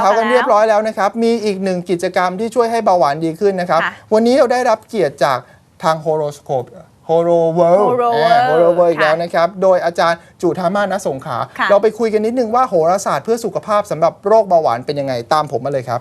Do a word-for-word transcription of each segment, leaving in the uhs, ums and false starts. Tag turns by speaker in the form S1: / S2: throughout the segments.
S1: ท้ากันเรียบร้อยแล้วนะครับมีอีกหนึ่งกิจกรรมที่ช่วยให้เบาหวานดีขึ้นนะครับวันนี้เราได้รับเกียรติจากทางโฮโรสโคปโฮโรเวิลด์โฮโรเวิลด์อีกแล้วนะครับโดยอาจารย์จุธามาศ ณ สงขลาเราไปคุยกันนิดนึงว่าโหราศาสตร์เพื่อสุขภาพสำหรับโรคเบาหวานเป็นยังไงตามผมมาเลยครับ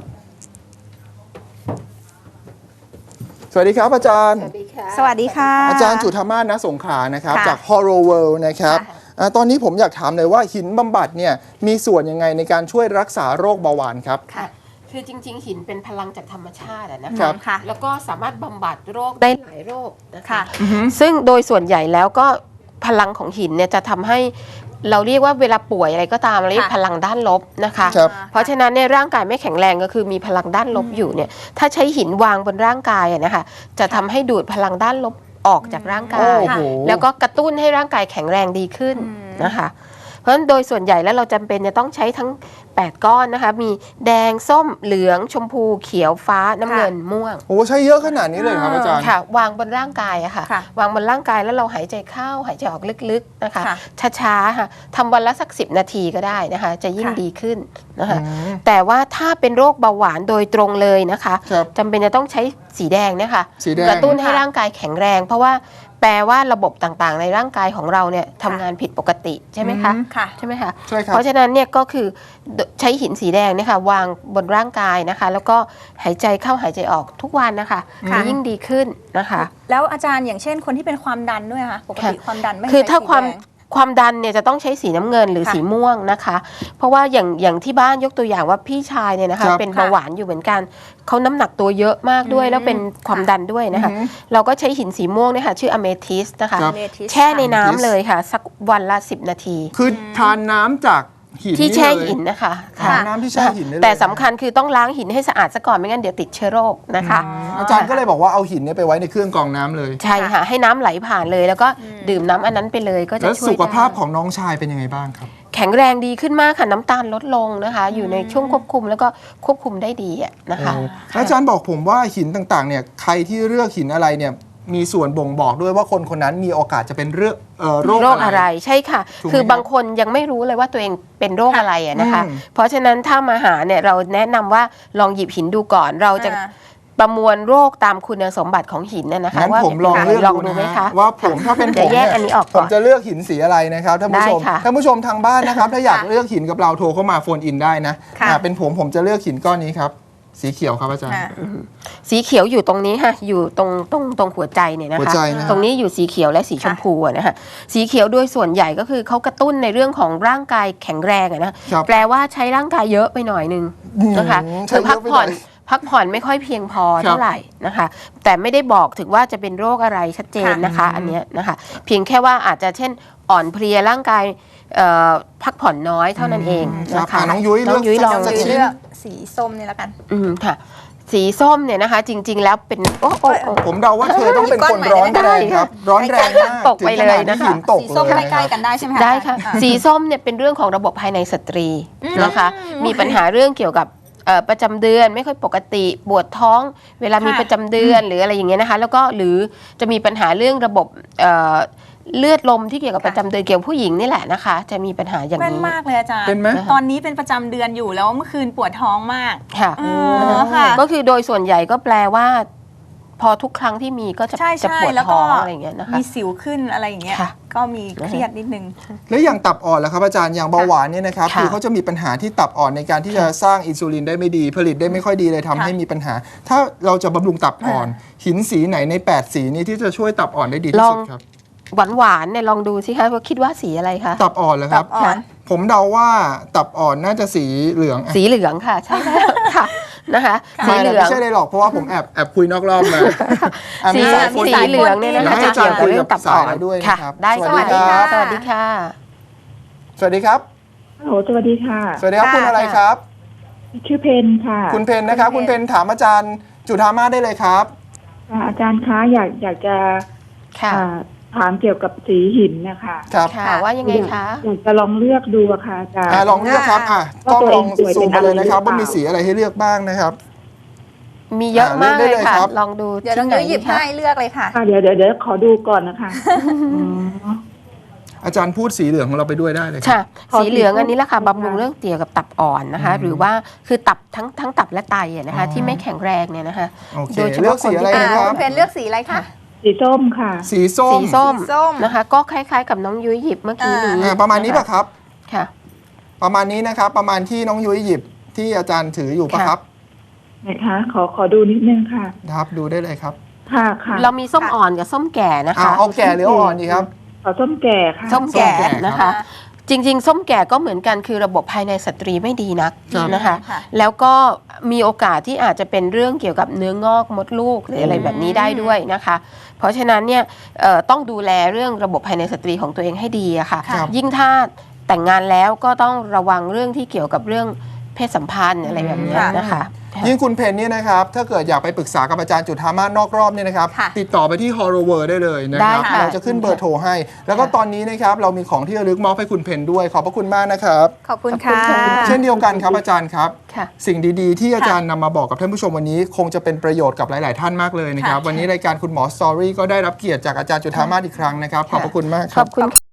S1: สวัสดีครับอาจารย์สวัสดีค่ะ
S2: สวัสดีค่ะ
S1: อาจารย์จุธามาศ ณ สงขลานะครับจากโฮโรเวิลด์นะครับตอนนี้ผมอยากถามเลยว่าหินบำบัดเนี่ยมีส่วนยังไงในการช่วยรักษาโรคเบาหวานครับ
S3: ค่ะคือจริงๆหินเป็นพลังจากธรรมชาตินะคะแล้วก็สามารถบำบัดโรคได้หลายโรคนะคะซึ่งโดยส่วนใหญ่แล้วก็พลังของหินเนี่ยจะทำให้เราเรียกว่าเวลาป่วยอะไรก็ตามเราเรียกพลังด้านลบนะคะเพราะฉะนั้นในร่างกายไม่แข็งแรงก็คือมีพลังด้านลบอยู่เนี่ยถ้าใช้หินวางบนร่างกายนะคะจะทำให้ดูดพลังด้านลบออกจากร่างกายแล้วก็กระตุ้นให้ร่างกายแข็งแรงดีขึ้นนะคะเพราะฉะนั้นโดยส่วนใหญ่แล้วเราจำเป็นจะต้องใช้ทั้งแปดก้อนนะคะมีแดงส้มเหลืองชมพูเขียวฟ้าน้ำเงินม่วง
S1: โอ้ใช้เยอะขนาดนี้เลยครับอาจารย์
S3: ค่ะวางบนร่างกายอะค่ะวางบนร่างกายแล้วเราหายใจเข้าหายใจออกลึกๆนะคะช้าๆค่ะทำวันละสักสิบนาทีก็ได้นะคะจะยิ่งดีขึ้นนะคะแต่ว่าถ้าเป็นโรคเบาหวานโดยตรงเลยนะคะจำเป็นจะต้องใช้สีแดงนะคะกระตุ้นให้ร่างกายแข็งแรงเพราะว่าแปลว่าระบบต่างๆในร่างกายของเราเนี่ยทำงานผิดปกติใช่ไหมคะใช่ไหมคะเพราะฉะนั้นเนี่ยก็คือใช้หินสีแดงเนี่ยค่ะวางบนร่างกายนะคะแล้วก็หายใจเข้าหายใจออกทุกวันนะคะจะยิ่งดีขึ้นนะคะ
S2: แล้วอาจารย์อย่างเช่นคนที่เป็นความดันด้วยค่ะปกติความดันไม่ใช่
S3: คือถ้าความความดันเนี่ยจะต้องใช้สีน้ำเงินหรือสีม่วงนะคะเพราะว่าอย่างอย่างที่บ้านยกตัวอย่างว่าพี่ชายเนี่ยนะคะเป็นเบาหวานอยู่เหมือนกันเขาน้ำหนักตัวเยอะมากด้วยแล้วเป็นความดันด้วยนะคะเราก็ใช้หินสีม่วงเนี่ยค่ะชื่ออเมทิสนะคะแช่ในน้ำเลยค่ะสักวันละสิบนาที
S1: คือทานน้ำจาก
S3: ที่แช่หินนะคะ
S1: น้ำที่แช่หิน
S3: แต่สำคัญคือต้องล้างหินให้สะอาดซะก่อนไม่งั้นเดี๋ยวติดเชื้อโรคนะคะ
S1: อาจารย์ก็เลยบอกว่าเอาหินเนี่ยไปไว้ในเครื่องกรองน้ำเลย
S3: ใช่ค่ะให้น้ำไหลผ่านเลยแล้วก็ดื่มน้ำอันนั้นไปเลยก็จะช่วย
S1: แล้วสุขภาพของน้องชายเป็นยังไงบ้างครับ
S3: แข็งแรงดีขึ้นมากค่ะน้ำตาลลดลงนะคะอยู่ในช่วงควบคุมแล้วก็ควบคุมได้ดีนะคะ
S1: อาจารย์บอกผมว่าหินต่างๆเนี่ยใครที่เลือกหินอะไรเนี่ยมีส่วนบ่งบอกด้วยว่าคนคนนั้นมีโอกาสจะเป็นเรื่องโรค
S3: อะไรใช่ค่ะคือบางคนยังไม่รู้เลยว่าตัวเองเป็นโรคอะไรนะคะเพราะฉะนั้นถ้ามาหาเนี่ยเราแนะนำว่าลองหยิบหินดูก่อนเราจะประมวลโรคตามคุณสมบัติของหินน่ะนะคะ
S1: ว่าผมลองเลือกดูไหมคะว่าผมถ้าเป็นผมเนี่ยผมจะเลือกหินสีอะไรนะครับท่านผู้ชมท่านผู้ชมทางบ้านนะครับถ้าอยากเลือกหินกับเราโทรเข้ามาโฟนอินได้นะเป็นผมผมจะเลือกหินก้อนนี้ครับสีเขียวครับอาจารย์
S3: สีเขียวอยู่ตรงนี้ค่ะอยู่ตรงตรงตรงหัวใจเนี่ยนะคะตรงนี้อยู่สีเขียวและสีชมพูนะคะสีเขียวโดยส่วนใหญ่ก็คือเขากระตุ้นในเรื่องของร่างกายแข็งแรงนะแปลว่าใช้ร่างกายเยอะไปหน่อยนึงนะคะคือพักผ่อนพักผ่อนไม่ค่อยเพียงพอเท่าไหร่นะคะแต่ไม่ได้บอกถึงว่าจะเป็นโรคอะไรชัดเจนนะคะอันนี้นะคะเพียงแค่ว่าอาจจะเช่นอ่อนเพลียร่างกายพักผ่อนน้อยเท่านั้นเองนะคะ
S1: น้องยุ้ย
S2: น้องยุ้ยลองเลือกสีส้มนี่แล้วกัน
S3: อืมค่ะสีส้มเนี่ยนะคะจริงๆแล้วเป็นโอ้โอ้
S1: ผมเดาว่าเธอต้องเป็นคนร้อนแรงครับร้อนแรงมาก
S3: ตกไปเลยนะคะ
S2: สีส้มใกล้ๆกันได้ใช่ไหม
S3: คะได้ค่ะสีส้มเนี่ยเป็นเรื่องของระบบภายในสตรีนะคะมีปัญหาเรื่องเกี่ยวกับประจำเดือนไม่ค่อยปกติปวดท้องเวลามีประจำเดือนหรืออะไรอย่างเงี้ยนะคะแล้วก็หรือจะมีปัญหาเรื่องระบบเลือดลมที่เกี่ยวกับประจำเดือนเกี่ยวกับผู้หญิงนี่แหละนะคะจะมีปัญหาอย่างนี้
S2: เป็นมากเลยอาจารย์
S1: เป็นไหม
S2: ตอนนี้เป็นประจำเดือนอยู่แล้วเมื่อคืนปวดท้องมาก
S3: ค่ะก็คือโดยส่วนใหญ่ก็แปลว่าพอทุกครั้งที่มีก็จะจะปวดท้องอะไรอย่างเงี้ยนะคะ
S2: มีสิวขึ้นอะไรอย่างเงี้ยก็มีเครียดนิดนึง
S1: แล้วอย่างตับอ่อนล่ะครับอาจารย์อย่างเบาหวานเนี่ยนะครับคือเขาจะมีปัญหาที่ตับอ่อนในการที่จะสร้างอินซูลินได้ไม่ดีผลิตได้ไม่ค่อยดีเลยทำให้มีปัญหาถ้าเราจะบำรุงตับอ่อนหินสีไหนในแปดสีนี้ที่จะช่วยตับอ่อนได้ดีที่สุดครับ
S3: หวานหวานเนี่ยลองดูสิคะว่าคิดว่าสีอะไรคะ
S1: ตับอ่อนเหรอครับผมเดาว่าตับอ่อนน่าจะสีเหลือง
S3: สีเหลืองค่ะใช่ค่ะนะคะ
S1: สีเหลืองไม่ใช่เลยหรอกเพราะว่าผมแอบแอบคุยนอกรอบมา
S3: สีสีเหลืองเนี่ยนะคะจะเกี่ยวกับเรื่องตับอ่อน
S1: ด้วยนะครับ
S3: ได้สวัสดีค่ะสวัสดีค่ะ
S1: สวัสดีครับ
S4: ฮัลโหลสวัสดีค่ะ
S1: สวัสดีครับคุณอะไรครับ
S4: ชื่อเพนค่ะ
S1: คุณเพนนะครับคุณเพนถามอาจารย์จุธามาศได้เลยครับ
S4: อาจารย์คะอยากอยากจะถามเกี่ยวกับสีหินนะคะ
S1: ครับ
S3: ว่ายังไงคะ
S4: อยากจะลองเลือกดูค่ะอาจารย์
S1: ลองเลือกครับอ่ะต้องลองซูมเลยนะครับว่ามีสีอะไรให้เลือกบ้างนะครับ
S3: มีเยอะมากเลยค่ะลองดู
S2: เดี๋ยวน้องยุ้ยหยิบให้เลือกเลยค่ะ
S4: เดี๋ยวเดี๋ยวเดี๋ยวขอดูก่อนนะคะ
S1: อาจารย์พูดสีเหลืองของเราไปด้วยได้เลยครับ
S3: ค่ะ
S4: ขอ
S3: สีเหลือง
S4: สีส้ม
S3: อันนี้แหละค่ะ
S4: ค่ะ
S3: บำรุงเรื่องเกี่ยวกับตับอ่อนนะคะ หรือว่าคือตับทั้งทั้งตับและไตอะนะคะ
S1: อ๋อ
S3: ที่ไม่แข็งแรงเนี่ยนะคะ
S1: โอเค
S3: โดยเฉ
S1: เลือ
S3: พาะ
S1: ก
S3: คน
S1: สีอะไร
S3: ที่
S1: นะ
S3: เป็น
S1: ครับ
S2: คุณเพนเลือกสีอะไรคะ
S4: สีส้มค่ะ
S1: สีส้ม
S3: สีส้ม
S2: สีส้ม
S3: นะคะ ก็คล้ายๆกับน้องยุ้ยหยิบเมื่อกี้นี้
S1: อ่าประมาณนี้ป่ะครับ
S3: ค่ะ
S1: ประมาณนี้นะครับ ประมาณที่น้องยุ้ยหยิบที่อาจารย์ถืออยู่ป่ะ
S3: ค่ะ
S1: ครับ
S4: ไหนคะ ขอขอดูนิดนึงค่ะ
S1: ครับดูได้เลยครับ
S4: ค่ะค่ะ
S3: เรามีส้มอ่อนกับส้มแก่นะ
S1: อ่า
S3: คะ
S1: เอาแก่หรือเอาอ่อนดีครับ
S4: ขอส้มแก่ค่ะ
S3: ส้มแก่
S1: ส้มแก่
S3: นะคะ จริง ๆ ส้มแก่ก็เหมือนกันคือระบบภายในสตรีไม่ดีนัก
S1: ครับ
S3: นะคะ
S2: ค่ะ
S3: แล้วก็มีโอกาสที่อาจจะเป็นเรื่องเกี่ยวกับเนื้องอกมดลูกหรืออะไรแบบนี้ได้ด้วยนะคะ เพราะฉะนั้นเนี่ยเอ่อต้องดูแลเรื่องระบบภายในสตรีของตัวเองให้ดีอะค่ะ
S1: ครับ
S3: ยิ่งถ้าแต่งงานแล้วก็ต้องระวังเรื่องที่เกี่ยวกับเรื่องเพศสัมพันธ์อะไรแบบนี้นะคะ
S1: ยิ่งคุณเพนเนี่ยนะครับ ถ้าเกิดอยากไปปรึกษากับอาจารย์จุฑามาศนอกรอบเนี่ยนะครับ
S2: ค่ะ
S1: ติดต่อไปที่ Horror ได้เลยนะครับ
S3: ได้ค่ะ
S1: เราจะขึ้นเบอร์โทรให้ แล้วก็ตอนนี้นะครับเรามีของที่ระลึกมอบให้คุณเพนด้วย ขอบพระคุณมากนะครับ
S2: ขอบคุณค่ะ
S1: เช่นเดียวกันครับอาจารย์ครับ
S3: ค่ะ
S1: สิ่งดีๆ ที่อาจารย์นำมาบอกกับท่านผู้ชมวันนี้ คงจะเป็นประโยชน์กับหลาย ๆ ท่านมากเลยนะครับ
S2: ค่ะ
S1: วันนี้รายการคุณหมอสตอรี่ก็ได้รับเกียรติจากอาจารย์จุฑามาศอีกครั้งนะครับ ขอบพระคุณมากค
S3: ข
S1: รั
S3: อบ บคุณ